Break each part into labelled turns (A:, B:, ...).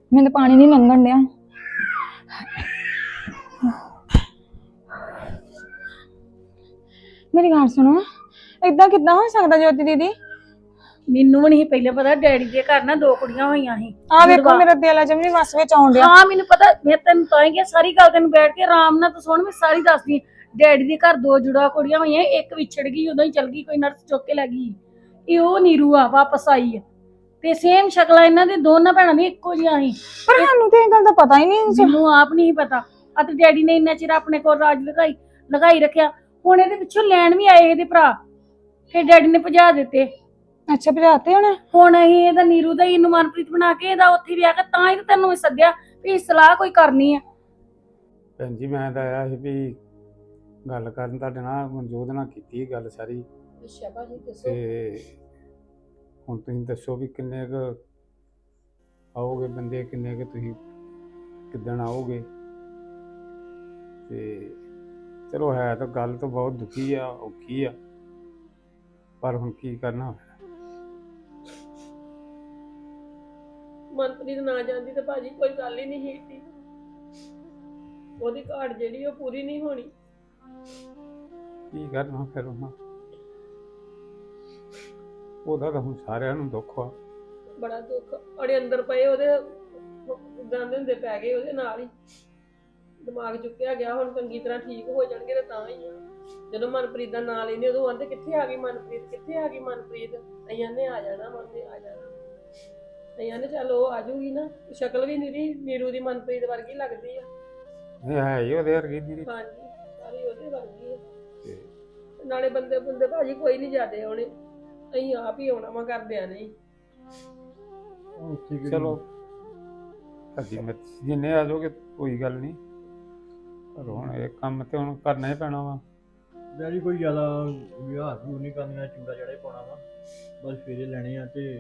A: ਮੈਨੂੰ ਪਾਣੀ ਨਹੀਂ ਲੰਘਣ ਡਿਆ। ਮੇਰੀ ਗੱਲ ਸੁਣੋ, ਏਦਾਂ ਕਿੱਦਾਂ ਹੋ ਸਕਦਾ ਜੋਤੀ ਦੀਦੀ?
B: ਮੈਨੂੰ ਵੀ ਨਹੀਂ ਪਹਿਲੇ ਪਤਾ। ਡੈਡੀ ਦੇ ਘਰ ਨਾ 2 ਕੁੜੀਆਂ ਹੋਈਆਂ ਸੀ।
A: ਆ ਵੇਖੋ ਮੇਰਾ ਦਿਲ ਅਜੇ ਵੀ ਨੀ ਵਸ ਵਿੱਚ ਆਉਣ ਡਿਆ।
B: ਹਾਂ ਮੈਨੂੰ ਪਤਾ। ਮੈਂ ਤੈਨੂੰ ਤਾਂ ਹੀ ਕਿਹਾ ਸਾਰੀ ਗੱਲ ਤੈਨੂੰ ਬੈਠ ਕੇ ਆਰਾਮ ਨਾਲ ਤੂੰ ਸੁਣ, ਮੈਂ ਸਾਰੀ ਦੱਸਦੀ। ਡੈਡੀ ਦੇ ਘਰ 2 ਜੁੜਾ ਕੁੜੀਆਂ ਹੋਈਆਂ, ਇੱਕ ਵਿਛੜ ਗਈ, ਉਦੋਂ ਹੀ ਚਲ ਗਈ, ਕੋਈ ਨਰਸ ਚੁੱਕ ਕੇ ਲੈ ਗਈ। ਇਹ ਉਹ ਨੀਰੂ ਆ ਵਾਪਸ ਆਈ ਹੈ ਤੇ ਸੇਮ ਸ਼ਕਲਾਂ ਇਹਨਾਂ ਦੇ ਦੋਨਾਂ ਭੈਣਾਂ ਦੀ ਇੱਕੋ ਜਿਹੀਆਂ ਸੀ।
A: ਪਰ ਸਾਨੂੰ ਤੇ ਇਹ ਗੱਲ ਦਾ ਪਤਾ ਹੀ ਨਹੀਂ।
B: ਮੈਨੂੰ ਆਪ ਨਹੀਂ ਪਤਾ। ਅਤੇ ਡੈਡੀ ਨੇ ਇੰਨਾ ਚਿਰ ਆਪਣੇ ਕੋਲ ਰਾਜ ਲਗਾਈ ਰੱਖਿਆ। ਹੁਣ ਇਹਦੇ ਪਿੱਛੋਂ ਲੈਣ ਵੀ ਆਏ ਇਹਦੇ ਭਰਾ, ਫਿਰ ਡੈਡੀ ਨੇ ਭਜਾ ਦਿੱਤੇ।
A: ਅੱਛਾ, ਭਜਾਤੇ
B: ਹੁਣ ਅਸੀਂ ਇਹਦਾ ਨੀਰੂ ਦਾ ਇਹਨੂੰ ਮਨਪ੍ਰੀਤ ਬਣਾ ਕੇ ਇਹਦਾ ਉੱਥੇ ਵਿਆਹ ਕਰ, ਤਾਂ ਹੀ ਤਾਂ ਤੈਨੂੰ ਸੱਦਿਆ ਵੀ ਸਲਾਹ ਕੋਈ ਕਰਨੀ ਆ।
C: ਭੈਣ ਜੀ ਮੈਂ ਤਾਂ ਆਇਆ ਸੀ ਵੀ ਗੱਲ ਕਰਨ ਤੁਹਾਡੇ ਨਾਲ ਮਨਜੋਤ ਨਾਲ ਕੀਤੀ ਗੱਲ ਸਾਰੀ।
B: ਅੱਛਾ ਭਾਜੀ ਦੱਸੋ।
C: ਤੇ ਹੁਣ ਤੁਸੀਂ ਦੱਸੋ ਵੀ ਕਿੰਨੇ ਕੁ ਆਓਗੇ ਬੰਦੇ, ਕਿੰਨੇ ਕੁ ਤੁਸੀਂ ਕਿੱਦਣ ਆਓਗੇ? ਤੇ ਚਲੋ ਹੈ ਤਾਂ ਗੱਲ ਤਾਂ ਬਹੁਤ ਦੁਖੀ ਆ, ਔਖੀ ਆ, ਪਰ ਹੁਣ ਕੀ ਕਰਨਾ।
D: ਮਨਪ੍ਰੀਤ ਨਾ ਜਾਂਦੀ ਤੇ ਭਾਜੀ ਕੋਈ ਗੱਲ ਹੀ ਨਹੀਂ ਸੀ। ਉਹਦੀ ਘਾਟ ਜਿਹੜੀ ਉਹ ਪੂਰੀ ਨਹੀਂ ਹੋਣੀ।
C: ਕੀ ਕਰਨਾ ਫਿਰ ਉਹਨਾਂ, ਉਹਦਾ ਤਾਂ ਹੁਣ ਸਾਰਿਆਂ ਨੂੰ ਦੁੱਖ ਆ।
D: ਬੜਾ ਦੁੱਖ ਅੜੇ ਅੰਦਰ ਪਏ ਉਹਦੇ ਦੰਦ ਹੁੰਦੇ ਪੈ ਗਏ ਉਹਦੇ ਨਾਲ ਹੀ। ਦਿਮਾਗ ਚੁੱਕਿਆ ਗਿਆ। ਹੁਣ ਚੰਗੀ ਤਰ੍ਹਾਂ ਠੀਕ ਹੋ ਜਾਣਗੇ ਤੇ ਤਾਂ ਹੀ ਆ। ਜਦੋਂ ਮਨਪ੍ਰੀਤ ਦਾ ਨਾਂ ਲੈਂਦੇ ਉਦੋਂ ਆਂਦੇ ਕਿੱਥੇ ਆ ਗਈ ਮਨਪ੍ਰੀਤ, ਕਿੱਥੇ ਆ ਗਈ ਮਨਪ੍ਰੀਤ। ਅਈਆਂ ਨੇ ਆ ਜਾਣਾ, ਮੰਨੇ ਆ ਜਾਣਾ। ਅਈਆਂ ਨੇ ਚੱਲ ਉਹ ਆ ਜੂਗੀ ਨਾ। ਸ਼ਕਲ ਵੀ ਨੀਰੂ ਦੀ ਮਨਪ੍ਰੀਤ ਵਰਗੀ ਲੱਗਦੀ ਆ।
C: ਇਹ ਹੈ ਹੀ ਉਹਦੇ ਵਰਗੀ ਦੀ।
D: ਹਾਂਜੀ ਸਾਰੀ ਉਹਦੇ ਵਰਗੀ ਆ।
C: ਤੇ
D: ਨਾਲੇ ਬੰਦੇ ਭਾਜੀ ਕੋਈ ਨਹੀਂ ਜਾਦੇ ਆਉਣੇ, ਅਸੀਂ ਆਪ ਹੀ ਆਉਣਾ ਵਾ ਕਰਦਿਆਂ ਨਹੀਂ।
C: ਚਲੋ ਤੁਹਾਡੀ ਮਰਜ਼ੀ, ਜਿੰਨੇ ਆ ਜਾਓਗੇ ਕੋਈ ਗੱਲ ਨਹੀਂ, ਪਰ ਹੁਣ ਇਹ ਕੰਮ ਤੇ ਹੁਣ ਕਰਨਾ ਹੀ ਪੈਣਾ ਵਾ।
E: ਡੈਡੀ ਕੋਈ ਜ਼ਿਆਦਾ ਵਿਹਾਰ ਵਿਹੂਰ ਨਹੀਂ ਕਰਨੀਆਂ, ਚੂੜਾ ਜਿਹੜਾ ਹੀ ਪਾਉਣਾ ਵਾ, ਬਸ ਫੇਰੇ ਲੈਣੇ ਆ। ਤੇ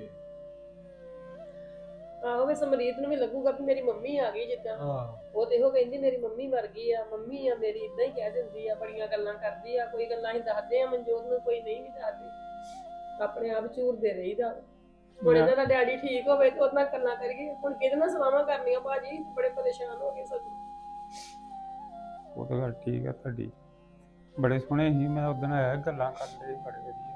D: ਆਹੋ ਵੀ ਸਮਰੀਤ ਨੂੰ ਵੀ ਲੱਗੂਗਾ ਵੀ ਮੇਰੀ ਮੰਮੀ ਆ ਗਈ। ਜਿੱਦਾਂ ਉਹ ਤੇ ਇਹੋ ਕਹਿੰਦੀ ਮੇਰੀ ਮੰਮੀ ਮਰ ਗਈ ਆ, ਮੰਮੀ ਆ ਮੇਰੀ, ਇਦਾਂ ਹੀ ਕਹਿ ਦਿੰਦੀ ਆ, ਬੜੀਆਂ ਗੱਲਾਂ ਕਰਦੀ ਆ। ਕੋਈ ਗੱਲਾਂ ਅਸੀਂ ਦੱਸਦੇ ਆ ਮਨਜੋਤ ਨੂੰ, ਕੋਈ ਨਹੀਂ ਵੀ ਦੱਸਦੇ, ਆਪਣੇ ਆਪ ਝੂਰਦੇ ਰਹੀਦਾ। ਹੁਣ ਇਹਨਾਂ ਦਾ ਡੈਡੀ ਠੀਕ ਹੋਵੇ ਤੇ ਉਹਦੇ ਨਾਲ ਗੱਲਾਂ ਕਰੀਏ। ਹੁਣ ਕਿਹਦੇ ਨਾਲ ਸਲਾਹਾਂ ਕਰਨੀਆਂ ਭਾਜੀ, ਬੜੇ ਪਰੇਸ਼ਾਨ ਹੋ ਗਏ ਸਭ।
C: ਉਹ ਤਾਂ ਗੱਲ ਠੀਕ ਆ ਤੁਹਾਡੀ, ਬੜੇ ਸੋਹਣੇ ਸੀ। ਮੈਂ ਉਦੋਂ ਆਇਆ ਗੱਲਾਂ ਕਰਦੇ ਬੜੇ ਵਧੀਆ।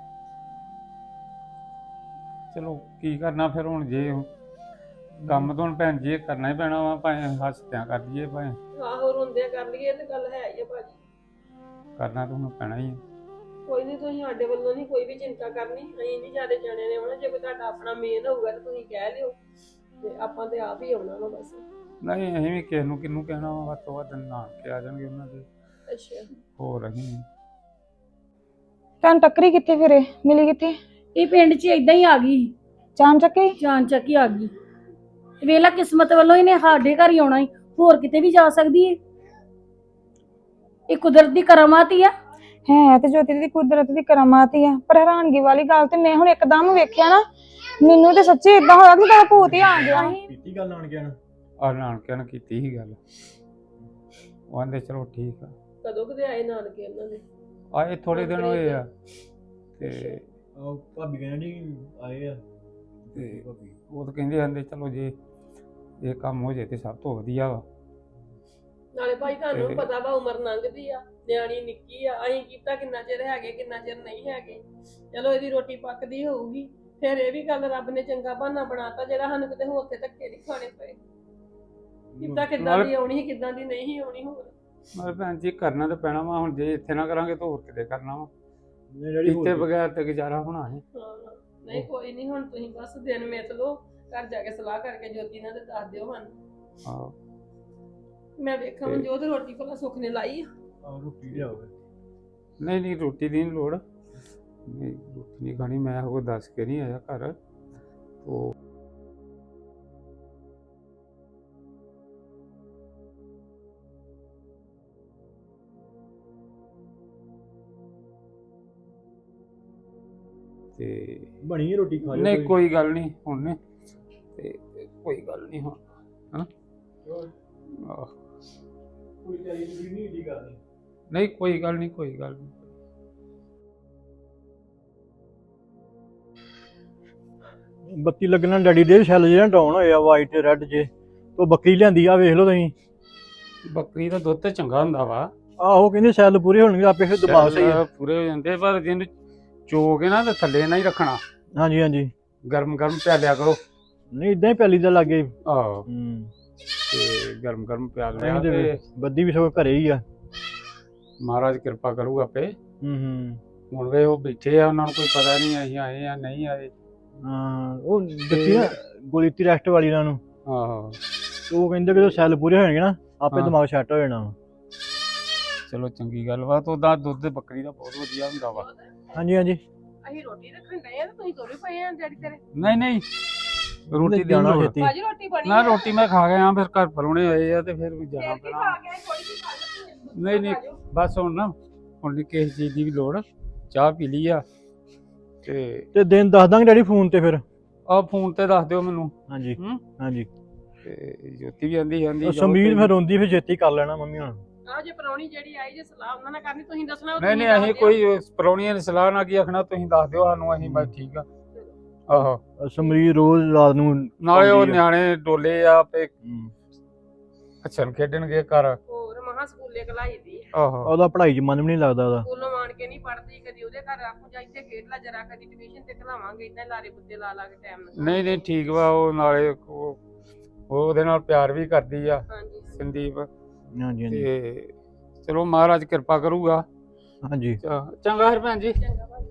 C: ਚਲੋ ਕੀ ਕਰਨਾ ਫਿਰ ਹੁਣ, ਜੇ ਕੰਮ ਤੋਂ ਹੁਣ ਭੈਣ ਜੀ ਕਰਨਾ ਹੀ ਪੈਣਾ ਵਾ, ਭਾਵੇਂ ਹੱਸਦਿਆਂ ਕਰ ਲਈਏ ਭਾਵੇਂ
D: ਆਹੋ ਰੋਂਦਿਆਂ ਕਰ ਲਈਏ ਤੇ ਗੱਲ ਹੈ ਹੀ ਆ ਭਾਜੀ।
C: ਕਰਨਾ ਤਾਂ ਹੁਣ ਪੈਣਾ ਹੀ ਆ।
D: ਕੋਈ ਨਹੀਂ, ਤੁਸੀਂ ਸਾਡੇ ਵੱਲੋਂ ਨਹੀਂ ਕੋਈ ਵੀ ਚਿੰਤਾ ਕਰਨੀ। ਅਸੀਂ ਨਹੀਂ ਜਿਆਦਾ ਜਾਣੇ ਨੇ ਆਉਣਾ। ਜੇ ਕੋਈ ਤੁਹਾਡਾ ਆਪਣਾ ਮੇਨ ਹੋਊਗਾ ਤਾਂ ਤੁਸੀਂ ਕਹਿ ਲਿਓ, ਤੇ ਆਪਾਂ ਤੇ ਆਪ ਹੀ ਆਉਣਾ ਵਾ ਬਸ।
C: ਨਹੀਂ ਅਸੀਂ ਵੀ ਕਿਸੇ ਨੂੰ ਕਿਹਨੂੰ ਕਹਿਣਾ ਵਾ, ਵੱਧ ਤੋਂ ਵੱਧ ਨਾਨਕੇ ਆ ਜਾਣਗੇ ਉਹਨਾਂ ਦੇ।
D: ਅੱਛਾ
C: ਹੋਰ ਅਸੀਂ
A: ਤੁਹਾਨੂੰ ਟੱਕਰੀ ਕਿੱਥੇ ਫਿਰੇ, ਮਿਲੀ ਕਿੱਥੇ?
B: ਇਹ ਪਿੰਡ 'ਚ ਇਦਾਂ ਹੀ ਆ ਗਈ,
A: ਚਾਮ ਚੱਕੇ
B: ਜਾਨ ਚੱਕ ਹੀ ਆ ਗਈ। ਵੇਲਾ ਕਿਸਮਤ ਵੱਲੋਂ ਇਹਨੇ ਸਾਡੇ ਘਰ ਹੀ ਆਉਣਾ ਹੀ, ਹੋਰ ਕਿਤੇ ਵੀ ਜਾ ਸਕਦੀ ਹੈ। ਇਹ ਕੁਦਰਤ ਦੀ ਕਰਾਮਾਤ ਹੀ ਆ।
A: ਹੈ ਤੇ ਜੋਤੀ ਦੀ ਕੁਦਰਤ ਦੀ ਕਰਾਮਾਤ ਹੀ ਆ। ਪਰ ਹੈਰਾਨਗੀ ਵਾਲੀ ਗੱਲ ਤੇ ਮੈਂ ਹੁਣ ਇੱਕਦਮ ਵੇਖਿਆ ਨਾ, ਮੈਨੂੰ ਤੇ ਸੱਚੀ ਇਦਾਂ ਹੋਇਆ ਕਿ ਤੇਰਾ ਭੂਤ ਹੀ ਆ ਗਿਆ।
E: ਕੀਤੀ ਗੱਲ ਆਣ ਗਿਆ ਨਾ,
C: ਆ ਨਾਨਕਿਆਂ ਨਾਲ ਕੀਤੀ ਸੀ ਗੱਲ, ਉਹ ਆਂਦੇ ਚਲੋ ਠੀਕ ਆ।
D: ਕਦੋਂ ਕਦੇ ਆਏ ਨਾਨਕੇ ਇਹਨਾਂ ਦੇ?
C: ਆਏ ਥੋੜੇ ਦਿਨ ਹੋਏ ਆ। ਤੇ
E: ਭਾਬੀ ਕਹਿੰਦੀ ਆਏ ਆ।
C: ਤੇ ਉਹ ਤਾਂ ਕਹਿੰਦੇ ਆਂਦੇ ਚਲੋ ਜੇ ਇਹ ਕੰਮ ਹੋ ਜੇ ਤੇ ਸਭ ਤੋਂ ਵਧੀਆ ਵਾ।
D: ਨਾਲੇ ਭਾਈ ਤੁਹਾਨੂੰ ਵੀ ਪਤਾ ਵਾ ਉਮਰ ਲੰਘਦੀ ਆ, ਨਿਆਣੀ ਨਿੱਕੀ ਆ। ਅਸੀਂ ਕੀਤਾ ਕਿੰਨਾ ਚਿਰ ਹੈਗੇ, ਕਿੰਨਾ ਚਿਰ ਨਹੀਂ ਹੈਗੇ। ਚਲੋ ਇਹਦੀ ਰੋਟੀ ਪੱਕਦੀ ਹੋਊਗੀ, ਫਿਰ ਇਹ ਵੀ ਗੱਲ ਰੱਬ ਨੇ ਚੰਗਾ ਬਹਾਨਾ ਬਣਾਤਾ ਜਿਹੜਾ ਸਾਨੂੰ ਕਿਤੇ ਹੋਰ ਤੇ ਧੱਕੇ ਨਹੀਂ ਖਾਣੇ ਪਏ। ਕਿੱਦਾਂ ਕਿੱਦਾਂ ਦੀ ਆਉਣੀ ਸੀ, ਕਿੱਦਾਂ ਦੀ ਨਹੀਂ ਆਉਣੀ। ਹੋਰ
C: ਮਤਲਬ ਭੈਣ ਜੀ ਕਰਨਾ ਤਾਂ ਪੈਣਾ ਵਾ। ਹੁਣ ਜੇ ਇੱਥੇ ਨਾ ਕਰਾਂਗੇ ਤਾਂ ਹੋਰ ਕਿਤੇ ਕਰਨਾ ਵਾ।
E: ਡੈਡੀ
C: ਕੀਤੇ ਬਗੈਰ ਤੇ ਗੁਜ਼ਾਰਾ ਹੋਣਾ ਹੈ।
D: ਹਾਂ ਨਹੀਂ ਕੋਈ ਨਹੀਂ, ਹੁਣ ਤੁਸੀਂ ਬਸ ਦਿਨ ਮਿੱਥ ਲਓ, ਘਰ ਜਾ ਕੇ ਸਲਾਹ ਕਰਕੇ ਜੋਤੀ ਨਾਲ ਤੇ ਦੱਸ ਦਿਓ ਸਾਨੂੰ।
C: ਹਾਂ
D: ਮੈਂ ਵੇਖਾਂ ਮਨਜੋਤ ਰੋਟੀ ਭਲਾ ਸੁੱਖ ਨੇ ਲਾਈ ਆ।
E: ਰੋਟੀ ਲਿਆਓਗੇ?
C: ਨਹੀਂ ਰੋਟੀ ਦੀ ਨਹੀਂ ਲੋੜ, ਨਹੀਂ ਰੋਟੀ ਨਹੀਂ ਖਾਣੀ। ਮੈਂ ਉਹ ਦੱਸ ਕੇ ਨਹੀਂ ਆਇਆ ਘਰ। ਉਹ ਤੇ
E: ਬਣੀ ਰੋਟੀ ਖਾ ਲਿਓ।
C: ਨਹੀਂ ਕੋਈ ਗੱਲ ਨਹੀਂ ਹੁਣ, ਤੇ ਕੋਈ ਗੱਲ ਨਹੀਂ ਹੁਣ। ਹਾਂ
E: ਕੋਈ ਚਾਹੀਦੀ ਨਹੀਂ ਏਡੀ ਕਰਨੀ।
C: ਨਹੀਂ ਕੋਈ ਗੱਲ ਨਹੀਂ, ਕੋਈ ਗੱਲ ਨਹੀਂ।
E: ਬੱਤੀ ਲੱਗਣਾ ਡੈਡੀ ਦੇ ਸੈੱਲ ਜਿਹੜਾ ਡਾਊਨ ਹੋਇਆ ਵਾਈਟ ਤੇ ਰੈੱਡ ਜੇ, ਉਹ ਬੱਕਰੀ ਲਿਆਂਦੀ ਆ, ਵੇਖ ਲਓ ਤੁਸੀਂ।
C: ਬੱਕਰੀ ਦਾ ਦੁੱਧ ਤੇ ਚੰਗਾ ਹੁੰਦਾ ਵਾ,
E: ਆਹੋ ਕਹਿੰਦੇ ਸੈੱਲ ਪੂਰੇ ਹੋਣਗੇ ਆਪੇ, ਫਿਰ ਦਿਮਾਗ ਸਹੀ ਆ।
C: ਪੂਰੇ ਹੋ ਜਾਂਦੇ, ਪਰ ਜਿਹਨੂੰ ਚੋ ਕੇ ਨਾ ਤੇ ਥੱਲੇ ਨਾ ਹੀ ਰੱਖਣਾ,
E: ਹਾਂਜੀ ਹਾਂਜੀ।
C: ਗਰਮ ਗਰਮ ਪਿਆਲਿਆ ਕਰੋ।
E: ਨਹੀਂ ਇਦਾਂ ਹੀ ਪੈਲੀ ਦਾ ਲੱਗੇ।
C: ਆਹੋ,
E: ਹੂੰ।
C: ਤੇ ਗਰਮ ਗਰਮ ਪਿਆਲ ਲਿਆ
E: ਅਸੀਂ
C: ਤੇ
E: ਤੇ ਬੱਦੀ ਵੀ ਸਗੋਂ ਘਰੇ ਹੀ ਆ।
C: ਮਹਾਰਾਜ ਕਿਰਪਾ ਕਰੂਗਾ ਆਪੇ।
E: ਹੂੰ।
C: ਹੁਣ ਵੇ ਉਹ ਬੈਠੇ ਆ, ਉਹਨਾਂ ਨੂੰ ਕੋਈ ਪਤਾ ਨਹੀਂ ਅਸੀਂ ਆਏ ਆ ਨਹੀਂ ਆਏ।
E: ਹਾਂ ਉਹ ਦਿੱਤੀ ਨਾ ਗੋਲੀਤੀ ਰੈਸਟ ਵਾਲੀ ਇਹਨਾਂ ਨੂੰ,
C: ਆਹੋ,
E: ਤੇ ਉਹ ਕਹਿੰਦੇ ਕਿ ਜਦੋਂ ਸੈੱਲ ਪੂਰੇ ਹੋਣਗੇ ਨਾ ਆਪੇ
C: ਹਾਂ।
E: ਦਿਮਾਗ ਸੈੱਟ ਹੋ ਜਾਣਾ ਵਾ।
C: ਚਲੋ ਚੰਗੀ ਗੱਲ ਵਾ। ਤੇ ਉਹਦਾ ਦੁੱਧ ਬੱਕਰੀ ਦਾ ਬਹੁਤ ਵਧੀਆ ਹੁੰਦਾ ਵਾ।
E: ਹਾਂਜੀ ਹਾਂਜੀ।
D: ਅਸੀਂ ਰੋਟੀ ਰੱਖਣ ਡਏ ਆ ਤੇ ਤੁਸੀਂ ਤੁਰੇ ਪਏ ਆ ਡੈਡੀ ਤੇਰੇ।
C: ਨਹੀਂ ਨਹੀਂ, ਰੋਟੀ ਦੀ
E: ਜਾਣਾ
C: ਲੋੜ।
E: ਛੇਤੀ।
D: ਭਾਜੀ ਰੋਟੀ ਬਣੀ
C: ਨਾ ਰੋਟੀ ਮੈਂ ਖਾ ਗਿਆ, ਫਿਰ ਘਰ ਪਰੋਣੇ ਆਏ ਆ ਤੇ ਫਿਰ ਵੀ ਜਾਣਾ
D: ਫੇਰ ਕੀ
C: ਪੈਣਾ।
D: ਖਾ ਕੇ ਆਏ, ਥੋੜੀ ਜਿਹੀ ਖਾ ਲਓ।
C: ਨਹੀਂ ਨਹੀਂ, ਬਸ ਹੁਣ ਨਾ, ਹੁਣ ਨੀ ਕਿਸੇ ਚੀਜ਼ ਦੀ ਵੀ ਲੋੜ, ਚਾਹ ਪੀ ਲਈ ਆ
E: ਤੇ ਦਿਨ ਦੱਸ ਦਾਂਗੇ ਡੈਡੀ ਫੋਨ ਤੇ ਫਿਰ।
C: ਆਹ ਫੋਨ ਤੇ ਦੱਸ ਦਿਓ ਮੈਨੂੰ।
E: ਹਾਂਜੀ
C: ਹੂੰ?
E: ਹਾਂਜੀ।
C: ਤੇ ਜੋਤੀ ਵੀ ਆਂਦੀ
E: ਉਹ ਸੰਮੀਤ ਫਿਰ ਰੋਂਦੀ, ਫਿਰ ਛੇਤੀ ਕਰ ਲੈਣਾ ਮੰਮੀ ਹੁਣ।
D: ਆ ਜੇ ਪ੍ਰਾਹੁਣੀ ਜਿਹੜੀ ਆਈ ਜੇ ਸਲਾਹ ਉਹਨਾਂ ਨਾਲ ਕਰਨੀ, ਤੁਸੀਂ ਦੱਸਣਾ।
C: ਨਹੀਂ ਨਹੀਂ, ਅਸੀਂ ਕੋਈ ਪਰੌਣੀਆਂ ਦੀ ਸਲਾਹ ਨਾ ਕੀ ਆਖਣਾ, ਤੁਸੀਂ ਦੱਸ ਦਿਓ ਸਾਨੂੰ, ਅਸੀਂ ਬਸ ਠੀਕ ਆ। ਆਹੋ,
E: ਸਮਰੀਤ ਰੋਜ਼ ਰਾਤ ਨੂੰ
C: ਨਾਲੇ ਉਹ
E: ਆਉਂਦੀ ਆ।
C: ਨਿਆਣੇ ਡੋਲੇ ਆ ਤੇ
E: ਹੂੰ।
C: ਅੱਛਣ ਖੇਡਣਗੇ ਘਰ।
D: ਹੋਰ ਮਹਾ ਸਕੂਲੇ ਕਲਾਈ ਦੀ
C: ਆਹੋ,
E: ਉਹਦਾ ਪੜ੍ਹਾਈ 'ਚ ਮਨ ਵੀ ਨਹੀਂ ਲੱਗਦਾ ਉਹਦਾ।
D: ਸਕੂਲੋਂ ਆਣ ਕੇ ਨਹੀਂ ਪੜਦੀ, ਕਦੀ ਉਹਦੇ ਘਰ ਆਖੂ ਜਾ ਇੱਥੇ ਖੇਡ ਲਾ ਜਰਾ, ਕਦੀ ਟਿਊਸ਼ਨ ਤੇ ਖਲਾਵਾਂਗੇ, ਇਦਾਂ ਲਾਰੇ ਬੁੱਤੇ ਲਾ ਲਾ ਕੇ ਟਾਈਮ ਨਾਲ।
C: ਨਹੀਂ ਨਹੀਂ ਠੀਕ ਵਾ। ਉਹ ਨਾਲੇ ਉਹ ਉਹਦੇ ਨਾਲ ਪਿਆਰ ਵੀ ਕਰਦੀ ਆ
D: ਹਾਂਜੀ
C: ਸੰਦੀਪ।
E: ਹਾਂਜੀ ਹਾਂਜੀ
C: ਤੇ ਚਲੋ ਮਹਾਰਾਜ ਕਿਰਪਾ ਕਰੂਗਾ।
E: ਹਾਂਜੀ।
C: ਚੰਗਾ ਫਿਰ ਭੈਣ ਜੀ।
D: ਚੰਗਾ ਭਾਜੀ।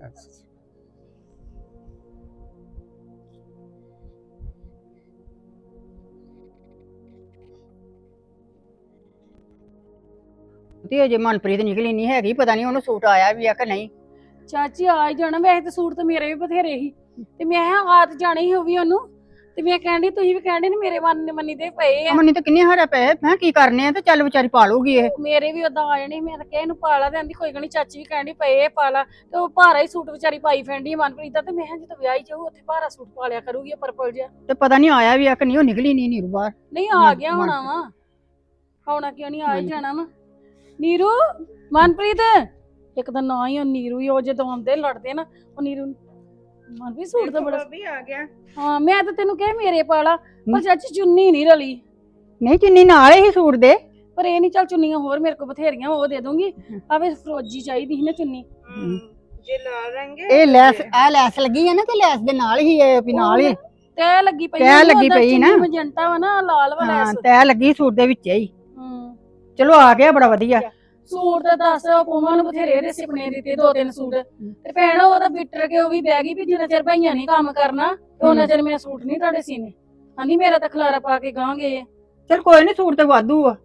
F: ਤੇ ਅਜੇ ਮਨਪ੍ਰੀਤ ਨਿਕਲੀ ਨਹੀਂ ਹੈਗੀ, ਪਤਾ ਨਹੀਂ ਉਹਨੂੰ ਸੂਟ ਆਇਆ ਵੀ ਆ ਕਿ ਨਹੀਂ।
B: ਚਾਚੀ ਆ ਹੀ ਜਾਣਾ, ਵੈਸੇ ਤੇ ਸੂਟ ਤਾਂ ਮੇਰੇ ਵੀ ਬਥੇਰੇ ਸੀ, ਤੇ ਮੈਂ ਕਿਹਾ ਆ ਤੇ ਜਾਣਾ ਹੀ ਹੋਵੀ ਉਹਨੂੰ, ਤੇ ਮੈਂ ਕਹਿੰਦੀ ਤੁਸੀਂ ਵੀ ਕਹਿੰਦੇ ਨੇ ਮੇਰੇ ਮੰਨੀ ਦੇ ਪਏ ਆ।
F: ਅਮਨੀ ਤਾਂ ਕਿੰਨੇ ਹਾਰੇ ਪਏ, ਮੈਂ ਕੀ ਕਰਨੇ ਆ, ਤੇ ਚੱਲ ਵਿਚਾਰੀ ਪਾ ਲੂਗੀ ਇਹ।
B: ਮੇਰੇ ਵੀ ਉਦਾਂ ਆ ਜਾਣੀ, ਮੈਂ ਤਾਂ ਕਿਹਾ ਇਹਨੂੰ ਪਾਲਾ ਦੇ, ਆਂਦੀ ਕੋਈ ਗੱਲ ਨੀ, ਚਾਚੀ ਵੀ ਕਹਿੰਦੀ ਪਏ ਪਾਲਾ, ਤੇ ਉਹ ਭਾਰਾ ਹੀ ਸੂਟ ਵਿਚਾਰੀ ਪਾਈ ਫੈਂਡੀ ਮਨਪ੍ਰੀਤ ਦਾ, ਤੇ ਮੈਂ ਕਿਹਾ ਜਦੋਂ ਵਿਆਹੀ ਜਾਊ ਉੱਥੇ ਭਾਰਾ ਸੂਟ ਪਾ ਲਿਆ ਕਰੂਗੀ ਪਰਪਲ ਜਿਹਾ।
F: ਤੇ ਪਤਾ ਨਹੀਂ ਆਇਆ ਵੀ ਆ ਕਿ ਨਹੀਂ, ਉਹ ਨਿਕਲੀ ਨਹੀਂ ਨੀਰੂ ਬਾਹਰ।
B: ਨਹੀਂ ਆ ਗਿਆ ਹੋਣਾ ਵਾ, ਆਉਣਾ ਕਿਉਂ ਨਹੀਂ, ਆ ਹੀ ਜਾਣਾ ਵਾ। ਨੀਰੂ, ਮਨਪ੍ਰੀਤ, ਇੱਕ ਤਾਂ ਨਾ ਹੀ ਉਹ ਨੀਰੂ ਹੀ, ਉਹ ਜਦੋਂ ਆਉਂਦੇ ਲੜਦੇ ਨਾ, ਉਹ ਨੀਰੂ ਮਨਪ੍ਰੀਤ ਸੂਟ ਤਾਂ ਬੜਾ
A: ਵੀ ਆ ਗਿਆ।
B: ਹਾਂ, ਮੈਂ ਤਾਂ ਤੈਨੂੰ ਕਿਹਾ ਮੇਰੇ ਪਾਲਾ, ਪਰ ਚਾਚੀ ਚੁੰਨੀ ਨਹੀਂ ਰਲੀ।
F: ਨਹੀਂ ਚੁੰਨੀ ਨਾਲ ਹੀ ਸੂਟ ਦੇ।
B: ਪਰ ਇਹ ਨਹੀਂ, ਚੱਲ ਚੁੰਨੀਆਂ ਹੋਰ ਮੇਰੇ ਕੋਲ ਬਥੇਰੀਆਂ, ਉਹ ਦੇ ਦੂੰਗੀ। ਆਵੇ ਫਰੋਜੀ ਚਾਹੀਦੀ ਸੀ ਨਾ ਚੁੰਨੀ।
A: ਜੇ ਲਾਲ ਰੰਗ
F: ਇਹ ਲੈਸ, ਆ ਲੈਸ ਲੱਗੀ ਹੈ ਨਾ, ਤੇ ਲੈਸ ਦੇ ਨਾਲ ਹੀ ਇਹ ਵੀ ਨਾਲ ਹੀ
B: ਤੈ ਲੱਗੀ ਪਈ,
F: ਤਹਿ ਲੱਗੀ ਪਈ ਨਾ।
B: ਮਜੰਟਾ ਵਾ ਨਾ, ਲਾਲ ਵਾ
F: ਹਾਂ,
B: ਲੈਸ।
F: ਤੈ ਲੱਗੀ ਸੂਟ ਦੇ ਵਿੱਚ ਹੀ।
B: ਹੂੰ,
F: ਚਲੋ ਆ ਗਿਆ, ਬੜਾ ਵਧੀਆ।
B: ਸੂਟ ਤਾਂ ਦੱਸ, ਪੋਮਾ ਨੂੰ ਬਥੇਰੇ ਦੇ ਸਿਪਨੇ ਦਿੱਤੇ, 2-3 ਸੂਟ, ਤੇ ਭੈਣ ਉਹ ਤਾਂ ਬਿੱਟਰ ਕੇ ਉਹ ਵੀ ਬਹਿ ਗਈ ਵੀ ਜਿੰਨਾ ਚਿਰ ਭਾਈਆਂ ਨਹੀਂ ਕੰਮ ਕਰਨਾ, ਉਹਨਾਂ ਚਿਰ ਮੈਂ ਸੂਟ ਨਹੀਂ ਤੁਹਾਡੇ ਸੀਨੇ। ਹਾਂਜੀ, ਮੇਰਾ ਤਾਂ ਖਲਾਰਾ ਪਾ ਕੇ ਗਾਂਗੇ।
F: ਚਲ ਕੋਈ ਨਹੀਂ, ਸੂਟ ਤੇ ਵਾਧੂ ਆ,